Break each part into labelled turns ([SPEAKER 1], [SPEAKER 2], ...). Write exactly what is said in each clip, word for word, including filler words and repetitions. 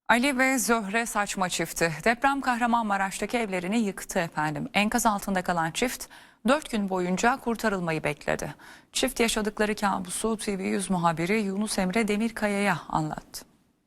[SPEAKER 1] Ali ve Zöhre Saçma çifti deprem Kahramanmaraş'taki evlerini yıktı efendim. Enkaz altında kalan çift dört gün boyunca kurtarılmayı bekledi. Çift yaşadıkları kabusu T V yüz muhabiri Yunus Emre Demirkaya'ya anlattı.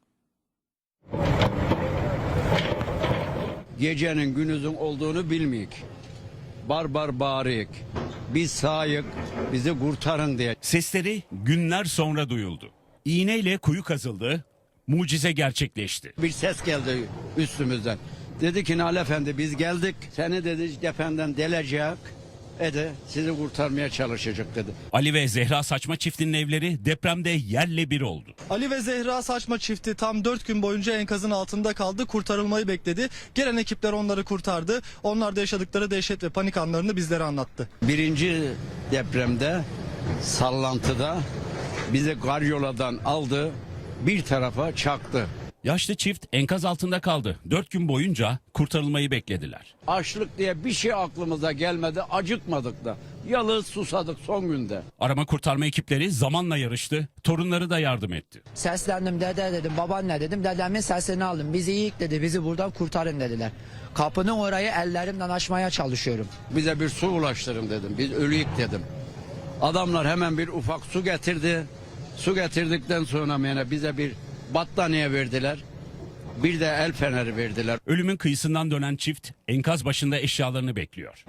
[SPEAKER 2] Gecenin günüzün olduğunu bilmeyik. Barbar bağırıyık. Biz sağyık, bizi kurtarın diye.
[SPEAKER 3] Sesleri günler sonra duyuldu. İğneyle kuyu kazıldı, mucize gerçekleşti.
[SPEAKER 2] Bir ses geldi üstümüzden. Dedi ki Nal Efendi biz geldik. Seni dedi cephenden delecek. Ede sizi kurtarmaya çalışacak dedi.
[SPEAKER 3] Ali ve Zehra Saçma çiftinin evleri depremde yerle bir oldu.
[SPEAKER 4] Ali ve Zehra Saçma çifti tam dört gün boyunca enkazın altında kaldı, kurtarılmayı bekledi. Gelen ekipler onları kurtardı. Onlar da yaşadıkları dehşet ve panik anlarını bizlere anlattı.
[SPEAKER 2] Birinci depremde sallantıda bizi karyoladan aldı, bir tarafa çaktı.
[SPEAKER 3] Yaşlı çift enkaz altında kaldı. Dört gün boyunca kurtarılmayı beklediler.
[SPEAKER 2] Açlık diye bir şey aklımıza gelmedi, acıkmadık da. Yalnız susadık son günde.
[SPEAKER 3] Arama kurtarma ekipleri zamanla yarıştı, torunları da yardım etti.
[SPEAKER 5] Seslendim, dede dedim, babaanne dedim, dedemin sesini aldım. Bizi yiyik dedi, bizi buradan kurtarın dediler. Kapının orayı ellerimden açmaya çalışıyorum.
[SPEAKER 2] Bize bir su ulaştırın dedim, biz ölüyük dedim. Adamlar hemen bir ufak su getirdi. Su getirdikten sonra yani bize bir battaniye verdiler. Bir de el feneri verdiler.
[SPEAKER 3] Ölümün kıyısından dönen çift enkaz başında eşyalarını bekliyor.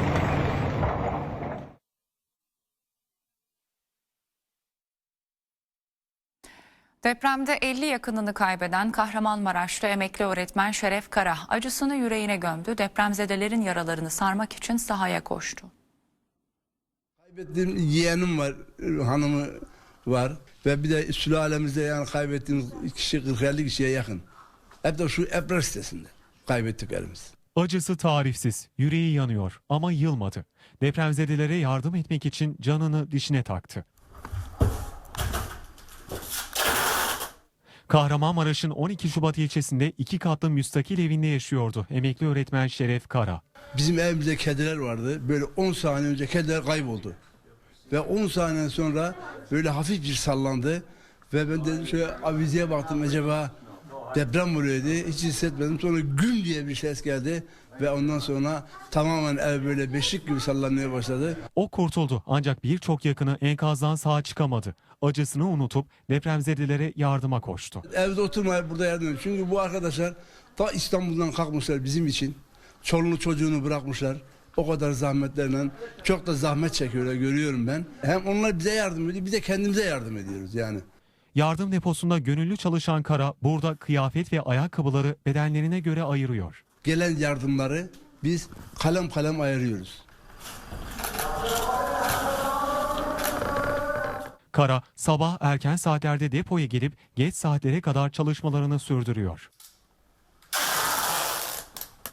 [SPEAKER 1] Depremde elli yakınını kaybeden Kahramanmaraşlı emekli öğretmen Şeref Kara acısını yüreğine gömdü. Depremzedelerin yaralarını sarmak için sahaya koştu.
[SPEAKER 6] Kaybettiğim yeğenim var, hanımı var ve bir de sülalemizde yani kaybettiğimiz kişi kırk elli kişiye yakın. Hep de şu Ebrar sitesinde kaybettiklerimiz.
[SPEAKER 7] Acısı tarifsiz, yüreği yanıyor ama yılmadı. Depremzedelere yardım etmek için canını dişine taktı. Kahramanmaraş'ın on iki Şubat ilçesinde iki katlı müstakil evinde yaşıyordu emekli öğretmen Şeref Kara.
[SPEAKER 6] Bizim evimizde kediler vardı. Böyle on saniye önce kediler kayboldu. Ve on saniye sonra böyle hafif bir sallandı. Ve ben dedim şöyle avizeye baktım, acaba deprem oluyor diye, hiç hissetmedim. Sonra güm diye bir ses geldi. Ve ondan sonra tamamen ev böyle beşik gibi sallanmaya başladı.
[SPEAKER 7] O kurtuldu ancak birçok yakını enkazdan sağ çıkamadı. Acısını unutup depremzedelere yardıma koştu.
[SPEAKER 6] Evde oturmayıp burada yardım ediyor. Çünkü bu arkadaşlar ta İstanbul'dan kalkmışlar bizim için. Çoluğunu çocuğunu bırakmışlar. O kadar zahmetlerle çok da zahmet çekiyorlar, görüyorum ben. Hem onlar bize yardım ediyor, bir de kendimize yardım ediyoruz yani.
[SPEAKER 7] Yardım deposunda gönüllü çalışan Kara burada kıyafet ve ayakkabıları bedenlerine göre ayırıyor.
[SPEAKER 6] Gelen yardımları biz kalem kalem ayırıyoruz.
[SPEAKER 7] Kara sabah erken saatlerde depoya gelip geç saatlere kadar çalışmalarını sürdürüyor.